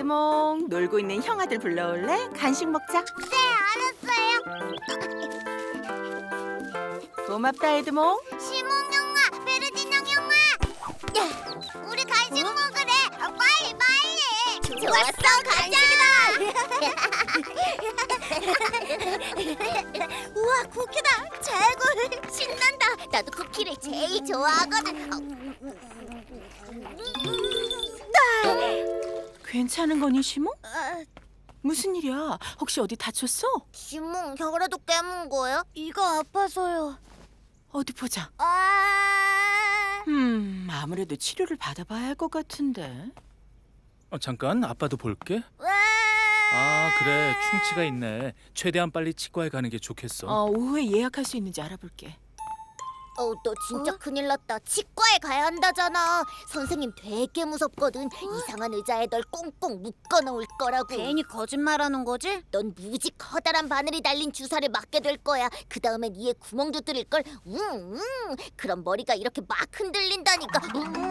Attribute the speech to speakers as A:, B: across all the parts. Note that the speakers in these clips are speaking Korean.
A: 시몽, 놀고 있는 형아들 불러올래? 간식 먹자.
B: 네, 알았어요.
A: 고맙다, 에드몽.
B: 시몬 형아, 베르디낭 형아. 야, 우리 간식 먹으래. 빨리 빨리. 좋았어, 간식이다. 우와, 쿠키다. 최고. 신난다. 나도 쿠키를 제일 좋아하거든.
A: 괜찮은 거니, 시몽? 무슨 일이야? 혹시 어디 다쳤어?
B: 시몬, 혀라도 깨문 거야? 이가 아파서요.
A: 어디 보자.
B: 아.
A: 아무래도 치료를 받아봐야 할 것 같은데.
C: 잠깐 아빠도 볼게.
B: 와.
C: 아 그래 충치가 있네. 최대한 빨리 치과에 가는 게 좋겠어.
A: 오후에 예약할 수 있는지 알아볼게.
B: 너 진짜 큰일 났다. 치과에 가야 한다잖아. 선생님 되게 무섭거든. 이상한 의자에 널 꽁꽁 묶어 놓을 거라고. 괜히 거짓말하는 거지? 넌 무지 커다란 바늘이 달린 주사를 맞게 될 거야. 그 다음엔 이에 구멍도 뚫릴 걸. 그럼 머리가 이렇게 막 흔들린다니까.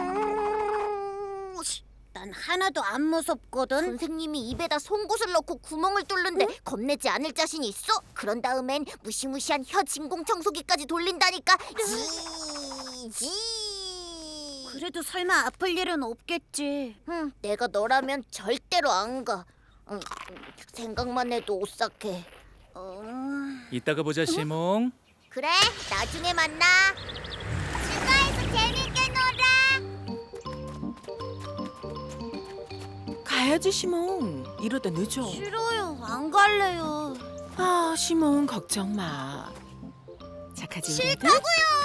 B: 난 하나도 안 무섭거든. 선생님이 입에다 송곳을 넣고 구멍을 뚫는데 겁내지 않을 자신 있어? 그런 다음엔 무시무시한 혀 진공청소기까지 돌린다니까. 지. 그래도 설마 아플 일은 없겠지. 내가 너라면 절대로 안 가. 생각만 해도 오싹해.
C: 이따가 보자 시몽.
B: 그래, 나중에 만나. 치과에서 재밌게 놀아.
A: 가야지, 시몽. 이러다 늦어.
B: 싫어요, 안 갈래요.
A: 시몽 걱정 마. 착하지?
B: 싫다고요.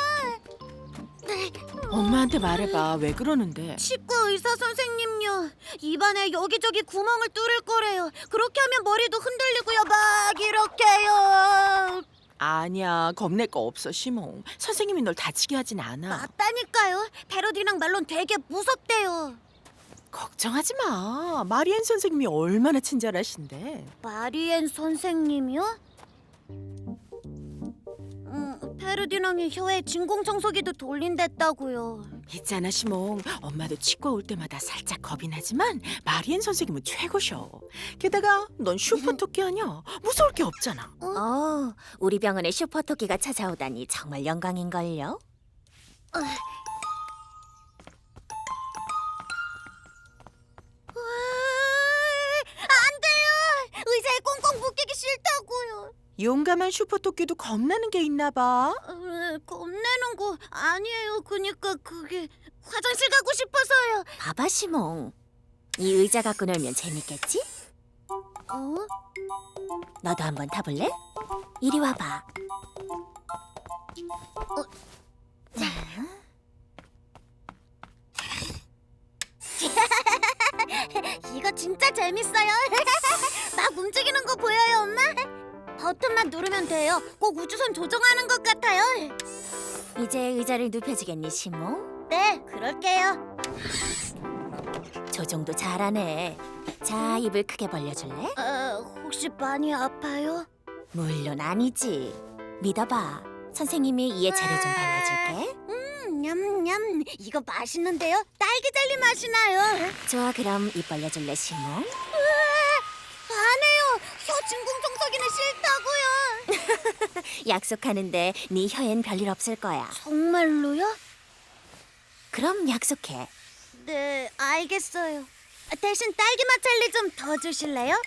A: 엄마한테 말해봐. 왜 그러는데?
B: 치과 의사 선생님요. 입안에 여기저기 구멍을 뚫을 거래요. 그렇게 하면 머리도 흔들리고요. 막 이렇게요.
A: 아니야, 겁낼 거 없어, 시몽. 선생님이 널 다치게 하진 않아.
B: 맞다니까요. 패러디랑 말론 되게 무섭대요.
A: 걱정하지 마. 마리엔 선생님이 얼마나 친절하신데.
B: 마리엔 선생님이요? 페르디낭이 혀에 진공청소기도 돌린댔다고요.
A: 있잖아, 시몽. 엄마도 치과 올 때마다 살짝 겁이 나지만 마리엔 선생님은 최고셔. 게다가 넌 슈퍼토끼 아니야. 무서울 게 없잖아.
D: 우리 병원에 슈퍼토끼가 찾아오다니 정말 영광인걸요.
B: 안 돼요. 의자에 꽁꽁 묶이기 싫다고요.
A: 용감한 슈퍼토끼도 겁나는 게 있나 봐.
B: 겁내는 거 아니에요. 그니까 그게 화장실 가고 싶어서요.
D: 봐봐 시몽, 이 의자 갖고 놀면 재밌겠지? 너도 한번 타볼래? 이리 와봐.
B: 이거 진짜 재밌어요. 막 움직이는 거 보여요, 엄마? 버튼만 누르면 돼요. 꼭 우주선 조종하는 것 같아요.
D: 이제 의자를 눕혀주겠니 시몽?
B: 네, 그럴게요.
D: 조종도 잘하네. 자, 입을 크게 벌려줄래?
B: 혹시 많이 아파요?
D: 물론 아니지. 믿어봐. 선생님이 이에 재료 좀 발라줄게.
B: 냠냠. 이거 맛있는데요? 딸기 젤리 맛이 나요.
D: 좋아, 그럼 입 벌려줄래 시몽?
B: 안 해요. 혀 진공청소기는 싫다고요.
D: 약속하는데 네 혀엔 별일 없을 거야.
B: 정말로요?
D: 그럼 약속해.
B: 네, 알겠어요. 대신 딸기맛 젤리 좀 더 주실래요?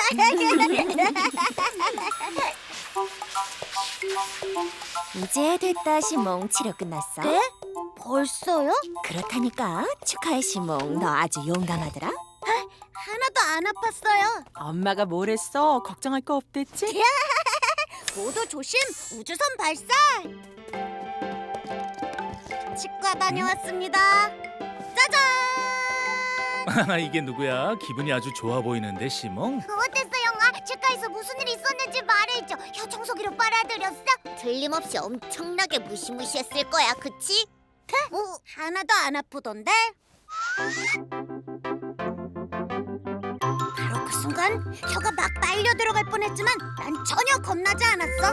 D: 이제 됐다 시몽. 치료 끝났어?
B: 네? 벌써요?
D: 그렇다니까. 축하해 시몽. 너 아주 용감하더라.
B: 하나도 안 아팠어요.
A: 엄마가 뭘 했어? 걱정할 거 없댔지?
B: 모두 조심! 우주선 발사! 치과 다녀왔습니다. 짜잔!
C: 이게 누구야? 기분이 아주 좋아 보이는데 시몽.
B: 어땠어, 영아? 치과에서 무슨 일이 있었는지 말해줘. 혀 청소기로 빨아들였어? 틀림없이 엄청나게 무시무시했을 거야, 그치? 하나도 안 아프던데? 바로 그 순간 혀가 막 빨려 들어갈 뻔했지만 난 전혀 겁나지 않았어.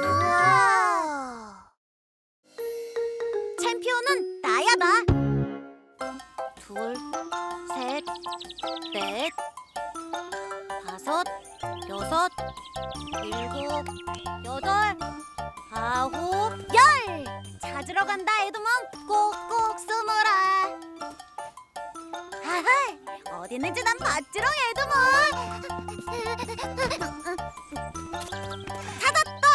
B: 챔피언은 나야, 나. 둘, 셋, 넷, 5, 6, 7, 8, 9, 10. 찾으러 간다 에드몽. 꼭꼭 숨어라. 하하, 어디 있는지 난 봤지롱 에드몽. 찾았다.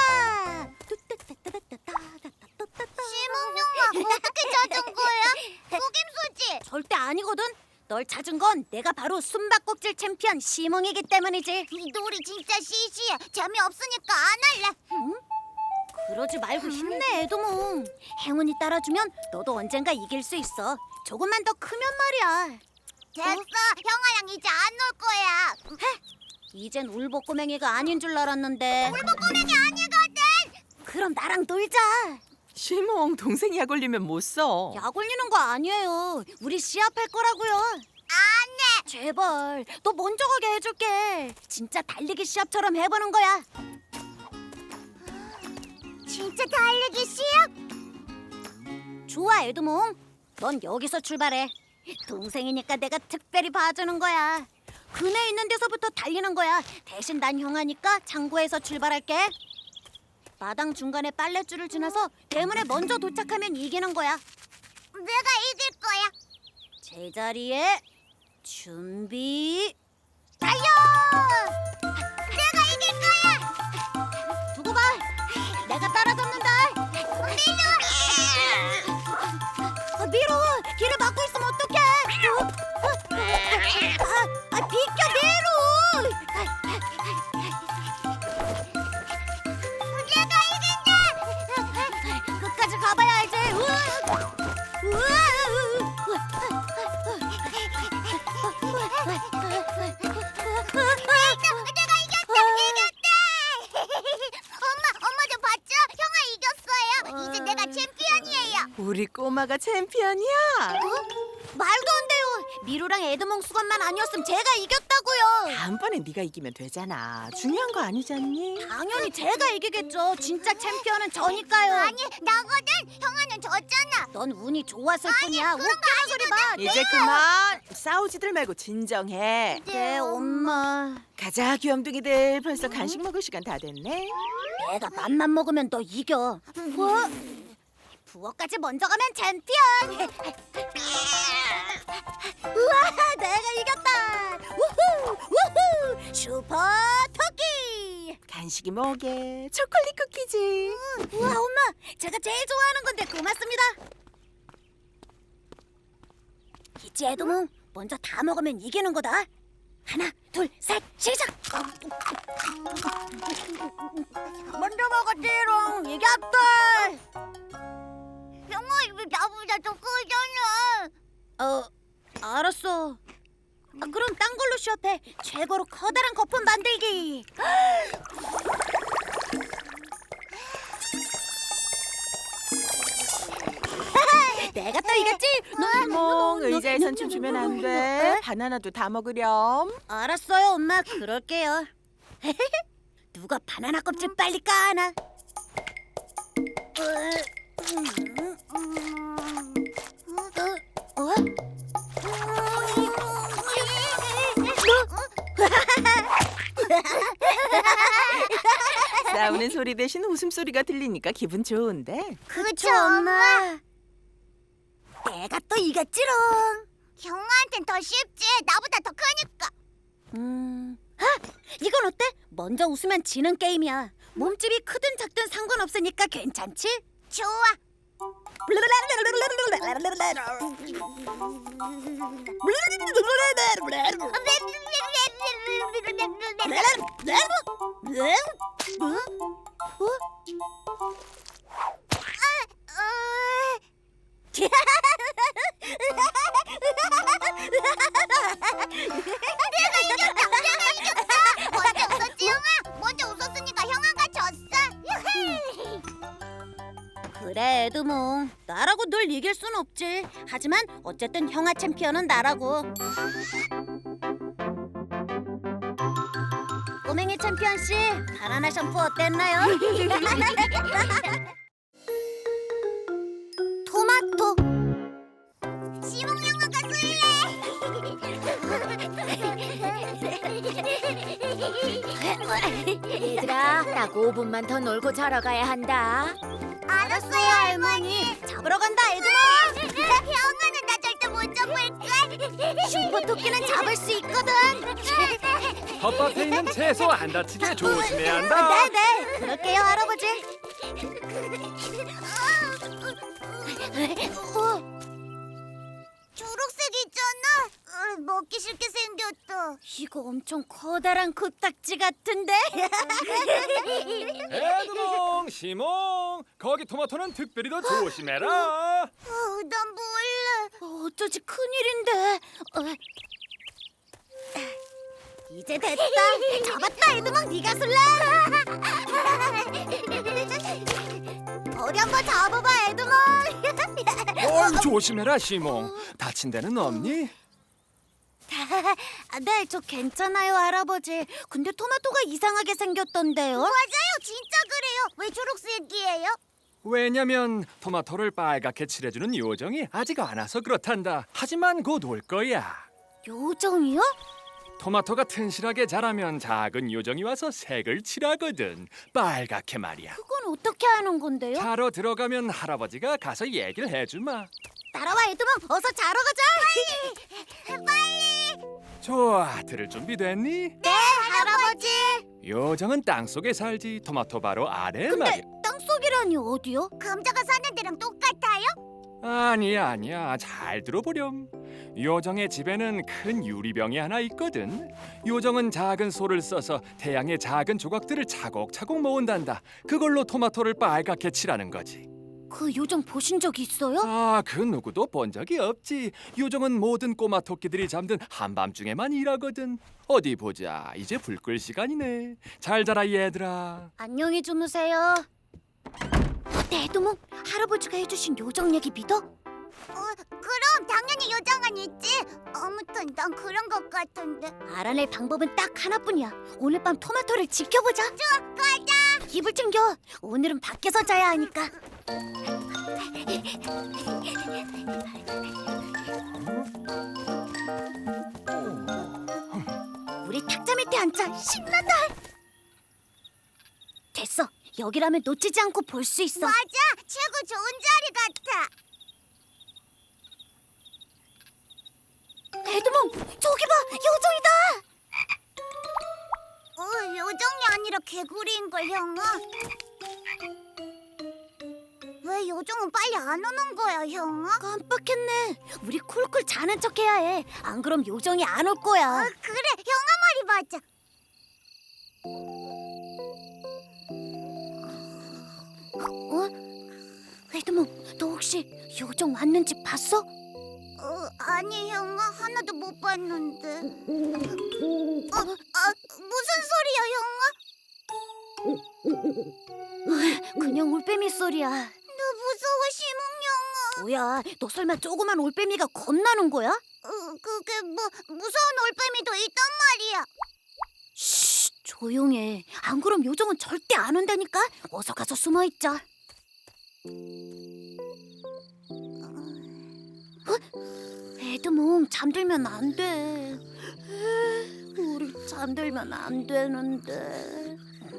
B: 시몽룡아, 어떻게 찾은 거야? 속임수지? 절대 아니거든. 널 찾은 건 내가 바로 숨바꼭질 챔피언 시몽이기 때문이지. 이 놀이 진짜 시시해. 재미없으니까 안 할래. 응? 그러지 말고 힘내 에드몽. 행운이 따라주면 너도 언젠가 이길 수 있어. 조금만 더 크면 말이야. 됐어. 형아랑 이제 안 놀 거야. 이젠 울보꼬맹이가 아닌 줄 알았는데. 울보꼬맹이 아니거든. 그럼 나랑 놀자.
A: 시몽, 동생이 약 올리면 못 써.
B: 약 올리는 거 아니에요. 우리 시합할 거라고요. 안 해. 제발, 너 먼저 가게 해줄게. 진짜 달리기 시합처럼 해보는 거야. 진짜 달리기 시합? 좋아, 에드몽. 넌 여기서 출발해. 동생이니까 내가 특별히 봐주는 거야. 그네 있는 데서부터 달리는 거야. 대신 난 형아니까 창고에서 출발할게. 마당 중간에 빨랫줄을 지나서 대문에 먼저 도착하면 이기는 거야. 내가 이길 거야. 제자리에 준비. 달려! 내가 이길 거야. 두고 봐. 내가 따라잡는다. 미루! 길을 막고 있으면 어떡해? 비켜 미루! 내가 이긴다! 끝까지 가봐야 알지. 내가 이겼다! 엄마 저 봤죠? 형아 이겼어요. 이제 내가 챔피언이에요.
A: 우리 꼬마가 챔피언이야.
B: 말도 안 돼요. 미루랑 에드몽 수건만 아니었으면 제가 이겼다고요.
A: 다음번에 네가 이기면 되잖아. 중요한 거 아니잖니?
B: 당연히 제가 이기겠죠. 진짜 챔피언은 저니까요. 아니 나거든. 형아는 졌잖아. 넌 운이 좋았을 뿐이야. 웃기는 소리 마.
A: 이제 그만. 싸우지들 말고 진정해.
B: 네 엄마.
A: 가자, 귀염둥이들. 벌써 간식 먹을 시간 다 됐네.
B: 내가 맘만 먹으면 너 이겨. 뭐? 부엌까지 먼저 가면 챔피언. 우와, 내가 이겼다. 우후, 우후, 슈퍼 토끼.
A: 간식이 뭐게? 초콜릿 쿠키지.
B: 우와, 엄마, 제가 제일 좋아하는 건데 고맙습니다. 있지, 에드몽. 먼저 다 먹으면 이기는 거다. 하나, 둘, 셋, 시작. 먼저 먹었지롱. 이겼다. 형아, 이거 나보다 더 크잖아. 알았어. 그럼 딴 걸로 시합해. 최고로 커다란 거품 만들기. 내가 또 이겼지?
A: 시몽, 의자에선 춤추면 안 돼. 바나나도 다 먹으렴.
B: 알았어요, 엄마. 그럴게요. 누가 바나나 껍질 빨리 까나?
A: 싸우는 소리 대신 웃음소리가 들리니까 기분 좋은데.
B: 그쵸, 엄마? 내가 또 이겼지롱. 형아한텐 더 쉽지. 나보다 더 크니까. 이건 어때? 먼저 웃으면 지는 게임이야. 몸집이 크든 작든 상관없으니까 괜찮지? 좋아. 먼저 웃었지, 형아? 먼저 웃었으니까 형아가 졌어. 그래, 에드몽. 나라고 늘 이길 순 없지. 하지만 어쨌든 형아 챔피언은 나라고. 꼬맹이 챔피언 씨, 바나나 샴푸 어땠나요? 토마토. 시몽 형아가 쓸래.
E: 딱 5분만 더 놀고 자러 가야 한다.
B: 알았어요, 할머니.
D: 잡으러 간다, 에드몽.
B: 형아는 나 절대 못 잡을걸.
D: 슈퍼토끼는 잡을 수 있거든.
F: 텃밭에 있는 채소 안 다치게 조심해야 한다.
D: 네네, 그럴게요, 할아버지.
B: 초록색 있잖아. 먹기 싫게 생겼다.
D: 이거 엄청 커다란 코딱지 같은데?
F: 에드몽, 시몽, 거기 토마토는 특별히 더 조심해라.
B: 난 몰래.
D: 어쩌지 큰일인데. 이제 됐다. 잡았다, 에드몽. 네가 술래. 어디 한번 잡아봐, 에드몽.
F: 조심해라, 시몽. 다친 데는 없니?
D: 네, 저 괜찮아요, 할아버지. 근데 토마토가 이상하게 생겼던데요?
B: 맞아요, 진짜 그래요. 왜 초록색이에요?
F: 왜냐면 토마토를 빨갛게 칠해주는 요정이 아직 안 와서 그렇단다. 하지만 곧 올 거야.
D: 요정이요?
F: 토마토가 튼실하게 자라면 작은 요정이 와서 색을 칠하거든. 빨갛게 말이야.
D: 그건 어떻게 하는 건데요?
F: 자러 들어가면 할아버지가 가서 얘기를 해주마.
D: 따라와, 에드몽. 어서 자러 가자.
F: 좋아, 들을 준비 됐니?
D: 네, 할아버지.
F: 요정은 땅 속에 살지. 토마토 바로 아래 말이야.
D: 근데 땅속이라니 어디요?
B: 감자가 사는 데랑 똑같아요?
F: 아니야. 잘 들어보렴. 요정의 집에는 큰 유리병이 하나 있거든. 요정은 작은 소를 써서 태양의 작은 조각들을 차곡차곡 모은단다. 그걸로 토마토를 빨갛게 칠하는 거지.
D: 그 요정 보신 적 있어요?
F: 그 누구도 본 적이 없지. 요정은 모든 꼬마 토끼들이 잠든 한밤중에만 일하거든. 어디 보자. 이제 불 끌 시간이네. 잘 자라 얘들아.
D: 안녕히 주무세요. 네, 에드몽. 할아버지가 해주신 요정 얘기 믿어?
B: 그럼 당연히 요정은 있지. 아무튼 난 그런 것 같은데.
D: 알아낼 방법은 딱 하나뿐이야. 오늘 밤 토마토를 지켜보자.
B: 가자.
D: 이불 챙겨. 오늘은 밖에서 자야 하니까. 우리 탁자 밑에 앉자. 신난다. 됐어. 여기라면 놓치지 않고 볼 수 있어.
B: 맞아, 최고 좋은 자리 같아.
D: 에드몽, 저기 봐. 요정이다.
B: 요정이 아니라 개구리인 걸, 형아. 왜 요정은 빨리 안 오는 거야, 형아?
D: 깜빡했네. 우리 쿨쿨 자는 척 해야 해. 안 그럼 요정이 안 올 거야.
B: 그래, 형아 말이 맞아.
D: 에드몽, 너 혹시 요정 왔는지 봤어?
B: 아니, 형아, 하나도 못 봤는데. 무슨 소리야, 형아?
D: 그냥 올빼미 소리야.
B: 나 무서워, 시몽 형아.
D: 뭐야, 너 설마 조그만 올빼미가 겁나는 거야?
B: 그게 뭐 무서운 올빼미도 있단 말이야.
D: 쉿, 조용해. 안 그럼 요정은 절대 안 온다니까. 어서 가서 숨어 있자. 에드몽, 잠들면 안 돼. 우리 잠들면 안 되는데.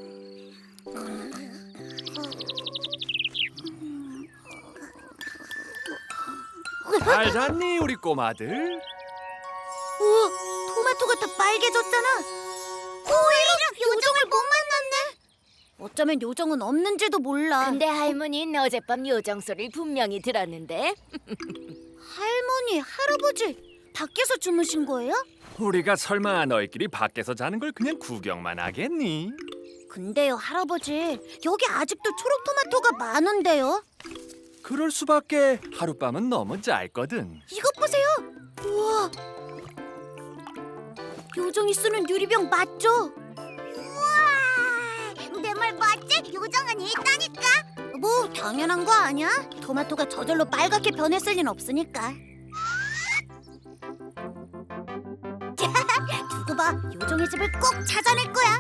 F: 잘 잤니 우리 꼬마들?
D: 우와, 토마토가 다 빨개졌잖아. 오히려 요정을 못 만났네. 어쩌면 요정은 없는지도 몰라.
E: 근데 할머니는 어젯밤 요정 소리를 분명히 들었는데.
D: 할머니, 할아버지, 밖에서 주무신 거예요?
F: 우리가 설마 너희끼리 밖에서 자는 걸 그냥 구경만 하겠니?
D: 근데요, 할아버지, 여기 아직도 초록 토마토가 많은데요.
F: 그럴 수밖에. 하룻밤은 너무 짧거든.
D: 이것 보세요. 우와, 요정이 쓰는 유리병 맞죠?
B: 우와, 내 말 맞지? 요정은 있다니까.
D: 뭐 당연한 거 아니야? 토마토가 저절로 빨갛게 변했을 리는 없으니까. 두고 봐, 요정의 집을 꼭 찾아낼 거야.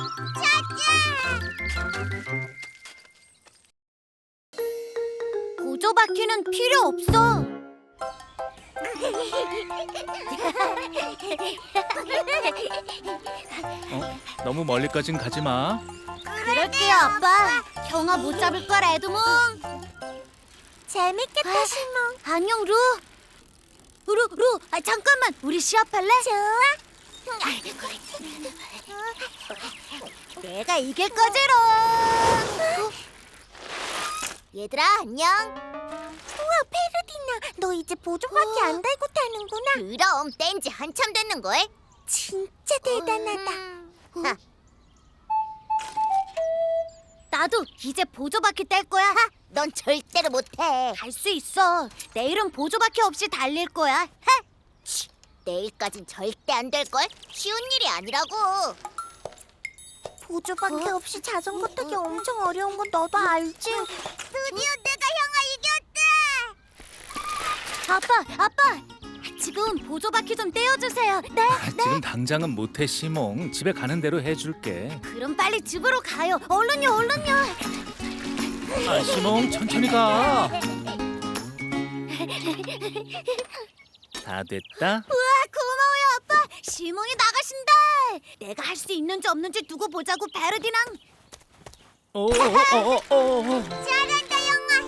D: 보조바퀴는 필요 없어.
C: 너무 멀리까진 가지 마.
B: 그럴게요, 아빠. 형아 못 잡을 걸, 에드몽.
D: 재밌겠다, 시몽.
B: 안녕, 루. 루, 잠깐만. 우리 시합할래?
D: 좋아.
B: 내가 이길 거지롱. 얘들아, 안녕.
D: 우와, 페르디나, 너 이제 보조바퀴 안 달고 타는구나.
B: 그럼 뗀지 한참 됐는걸.
D: 진짜 대단하다.
B: 나도 이제 보조바퀴 뗄 거야. 넌 절대로 못해. 할 수 있어. 내일은 보조바퀴 없이 달릴 거야. 내일까진 절대 안 될 걸. 쉬운 일이 아니라고.
D: 보조바퀴 없이 자전거 타기 엄청 어려운 건 너도 알지?
B: 드디어 내가 형아 이겼다. 아빠, 지금 보조바퀴 좀 떼어주세요. 네.
C: 지금 당장은 못해 시몽. 집에 가는 대로 해줄게.
B: 그럼 빨리 집으로 가요. 얼른요.
C: 아 시몽 천천히 가. 다 됐다.
B: 우와, 고마워요, 아빠. 시몽이 나가신다. 내가 할 수 있는지 없는지 두고 보자고, 베르디낭. 잘한다, 형아.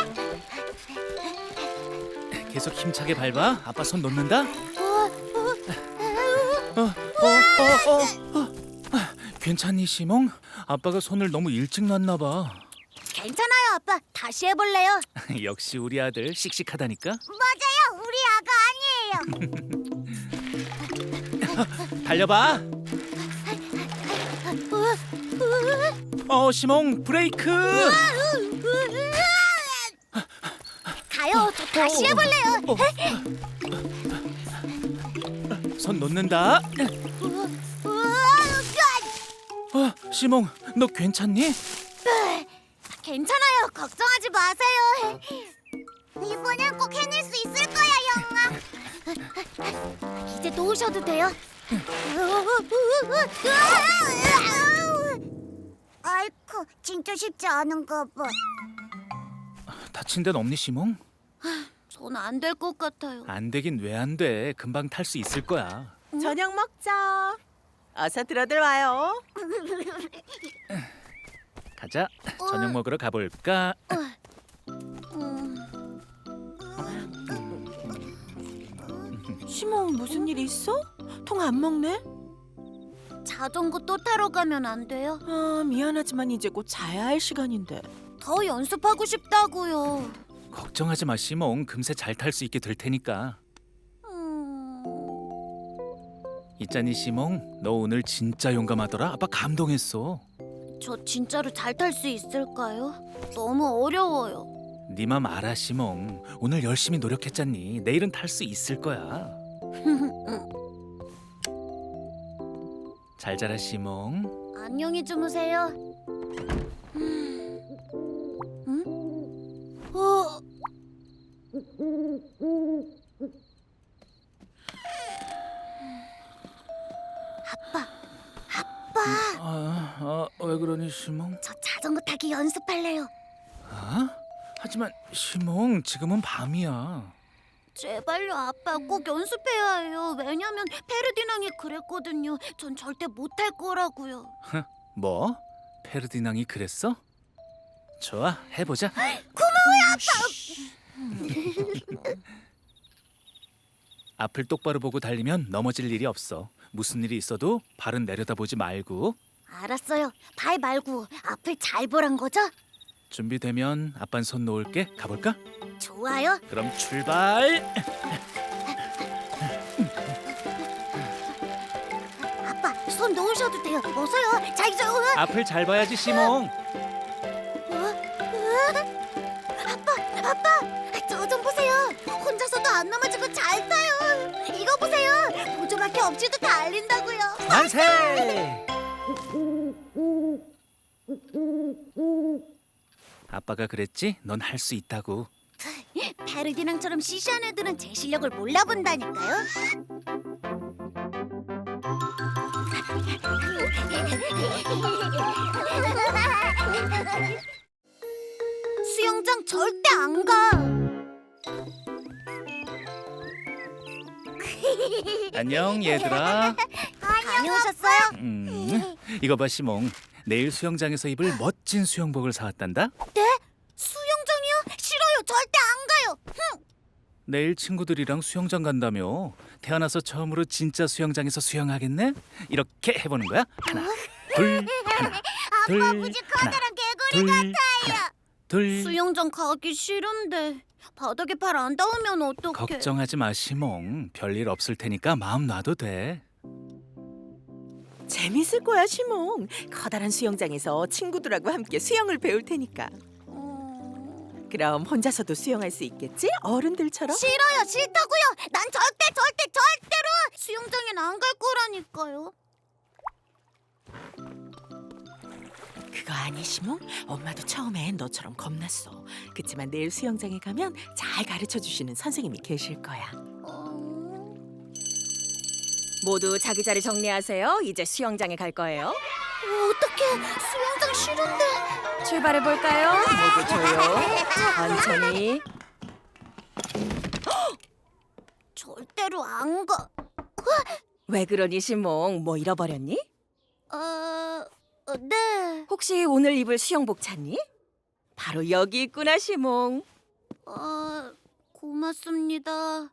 B: 이제.
C: 계속 힘차게 밟아. 아빠 손 놓는다. 괜찮니 시몽? 아빠가 손을 너무 일찍 놨나 봐.
B: 괜찮아요, 아빠. 다시 해볼래요.
C: 역시 우리 아들 씩씩하다니까.
B: 맞아요, 우리 아가 아니에요.
C: 달려봐. 시몽 브레이크.
B: 가요. 저 다시 해볼래요.
C: 손 놓는다. 시몽 너 괜찮니?
B: 괜찮아요. 걱정하지 마세요. 이번엔 꼭 해낼 수 있을 거야, 영아. 이제 놓으셔도 돼요. 아이쿠, 진짜 쉽지 않은가 봐.
C: 다친 데는 없니 시몽?
B: 전 안 될 것 같아요.
C: 안 되긴 왜 안 돼. 금방 탈 수 있을 거야.
A: 저녁 먹자. 어서 들어들 와요.
C: 가자. 저녁 먹으러 가볼까?
A: 시몽 무슨 일 있어? 통 안 먹네?
B: 자전거 또 타러 가면 안 돼요?
A: 아 미안하지만 이제 곧 자야 할 시간인데.
B: 더 연습하고 싶다고요.
C: 걱정하지 마 시몽. 금세 잘 탈 수 있게 될 테니까. 있잖니 시몽. 너 오늘 진짜 용감하더라. 아빠 감동했어.
B: 저 진짜로 잘 탈 수 있을까요? 너무 어려워요.
C: 네 맘 알아 시몽. 오늘 열심히 노력했잖니. 내일은 탈 수 있을 거야. 잘 자라 시몽.
B: 안녕히 주무세요.
C: 왜 그러니 시몽?
B: 저 자전거 타기 연습할래요.
C: 하지만 시몽 지금은 밤이야.
B: 제발요, 아빠. 꼭 연습해야 해요. 왜냐면 페르디낭이 그랬거든요. 전 절대 못할 거라고요.
C: 뭐? 페르디낭이 그랬어? 좋아, 해보자. 앞을 똑바로 보고 달리면 넘어질 일이 없어. 무슨 일이 있어도 발은 내려다보지 말고.
B: 알았어요. 발 말고 앞을 잘 보란 거죠?
C: 준비되면 아빤 손 놓을게. 가볼까?
B: 좋아요.
C: 그럼 출발.
B: 아빠, 손 놓으셔도 돼요. 어서요. 자, 이제
C: 앞을 잘 봐야지 시몽.
B: 아빠, 저 좀 보세요. 혼자서도 안 넘어지고 잘 타요. 이거 보세요. 보조바퀴 없이도 달린다고요.
C: 만세! 아빠가 그랬지? 넌 할 수 있다고.
B: 페르디낭처럼 시시한 애들은 제 실력을 몰라본다니까요. 수영장 절대 안 가.
C: 안녕 얘들아.
B: 다녀오셨어요?
C: 이거 봐 시몽. 내일 수영장에서 입을 멋진 수영복을 사왔단다.
B: 수영장이요? 싫어요. 절대 안 가요.
C: 내일 친구들이랑 수영장 간다며. 태어나서 처음으로 진짜 수영장에서 수영하겠네? 이렇게 해보는 거야. 하나, 둘, 하나, 둘,
B: 아버지
C: 하나,
B: 커다란 개구리
C: 둘,
B: 같아요.
C: 하나, 둘.
B: 수영장 가기 싫은데 바닥에 발 안 닿으면 어떡해?
C: 걱정하지 마 시몽. 별일 없을 테니까 마음 놔도 돼.
A: 재밌을 거야 시몽. 커다란 수영장에서 친구들하고 함께 수영을 배울 테니까. 그럼 혼자서도 수영할 수 있겠지? 어른들처럼?
B: 싫어요. 싫다고요. 난 절대로 수영장엔 안 갈 거라니까요.
A: 그거 아니 시몽? 엄마도 처음엔 너처럼 겁났어. 그치만 내일 수영장에 가면 잘 가르쳐 주시는 선생님이 계실 거야.
D: 모두 자기 자리 정리하세요. 이제 수영장에 갈 거예요.
B: 어떡해. 수영장 싫은데.
D: 출발해 볼까요? 모두 조용. 천천히.
B: 절대로 안 가.
D: 왜 그러니 시몽? 뭐 잃어버렸니?
B: 네.
D: 혹시 오늘 입을 수영복 찾니? 바로 여기 있구나 시몽.
B: 고맙습니다.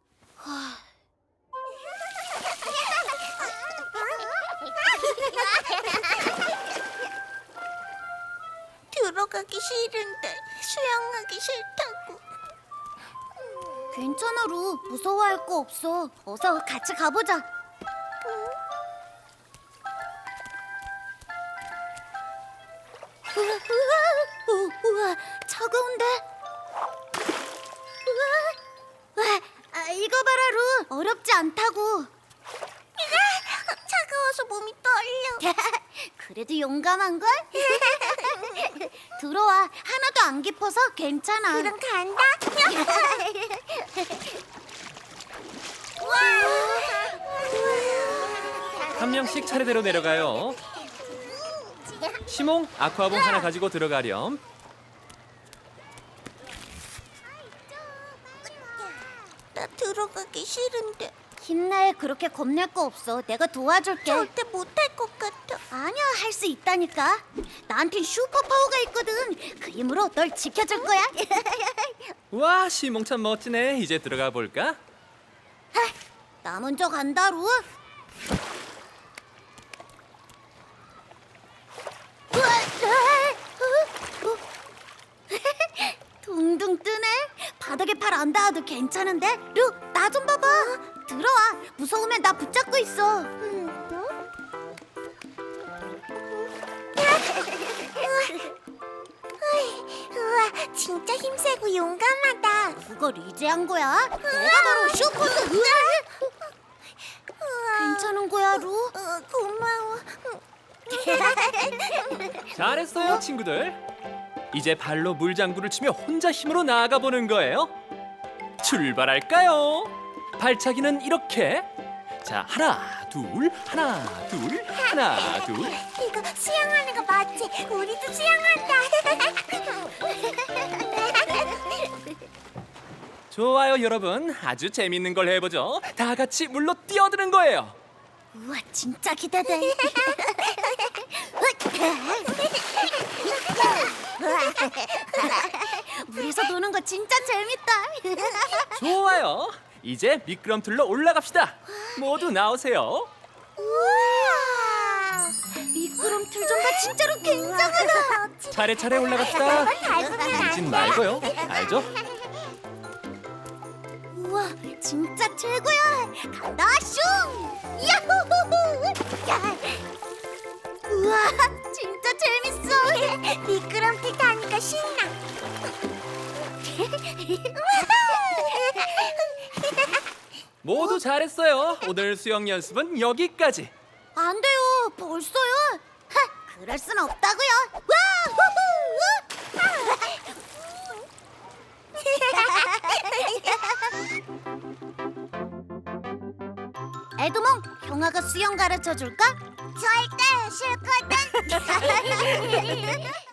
B: 들어가기 싫은데 수영하기 싫다고. 괜찮아 루. 무서워할 거 없어. 어서 같이 가보자. 우와, 차가운데? 우와, 이거 봐라 루. 어렵지 않다고. 차가워서 몸이 떨려. 그래도 용감한걸? 들어와. 하나도 안 깊어서 괜찮아. 그럼 간다.
F: 한 명씩 차례대로 내려가요. 시몽, 아쿠아봉 하나 가지고 들어가렴.
B: 나 들어가기 싫은데. 힘내. 그렇게 겁낼 거 없어. 내가 도와줄게. 절대 못할 것 같아. 아니야, 할 수 있다니까. 나한텐 슈퍼 파워가 있거든. 그 힘으로 널 지켜줄 거야.
F: 와, 시몽 참 멋지네. 이제 들어가 볼까?
B: 나 먼저 간다, 루. 둥둥 뜨네. 바닥에 발 안 닿아도 괜찮은데? 루, 나 좀 봐봐. 들어와. 무서우면 나 붙잡고 있어. 우와, 진짜 힘세고 용감하다. 그걸 이제 한 거야? 내가 바로 슈퍼드. 괜찮은 거야, 루? 고마워.
F: 잘했어요, 친구들. 이제 발로 물장구를 치며 혼자 힘으로 나아가 보는 거예요. 출발할까요? 발차기는 이렇게. 자, 하나, 둘, 하나, 둘, 하나, 둘.
B: 이거 수영하는 거 맞지? 우리도 수영한다.
F: 좋아요, 여러분. 아주 재밌는 걸 해보죠. 다 같이 물로 뛰어드는 거예요.
B: 우와, 진짜 기대돼. 물에서 노는 거 진짜 재밌다.
F: 좋아요. 이제 미끄럼틀로 올라갑시다. 모두 나오세요.
B: 우와, 미끄럼틀 좀 봐. 진짜로 굉장하다.
F: 차례차례 올라갑시다. 던진 말고요. 알죠?
B: 우와, 진짜 최고야. 간다, 슝! 야호호호! 야. 우와, 진짜 재밌어. 미끄럼틀 타니까 신나.
F: 모두 잘했어요. 오늘 수영 연습은 여기까지.
B: 안 돼요. 벌써요? 그럴 순 없다고요. 에드몽, 형아가 수영 가르쳐 줄까? 절대 싫거든.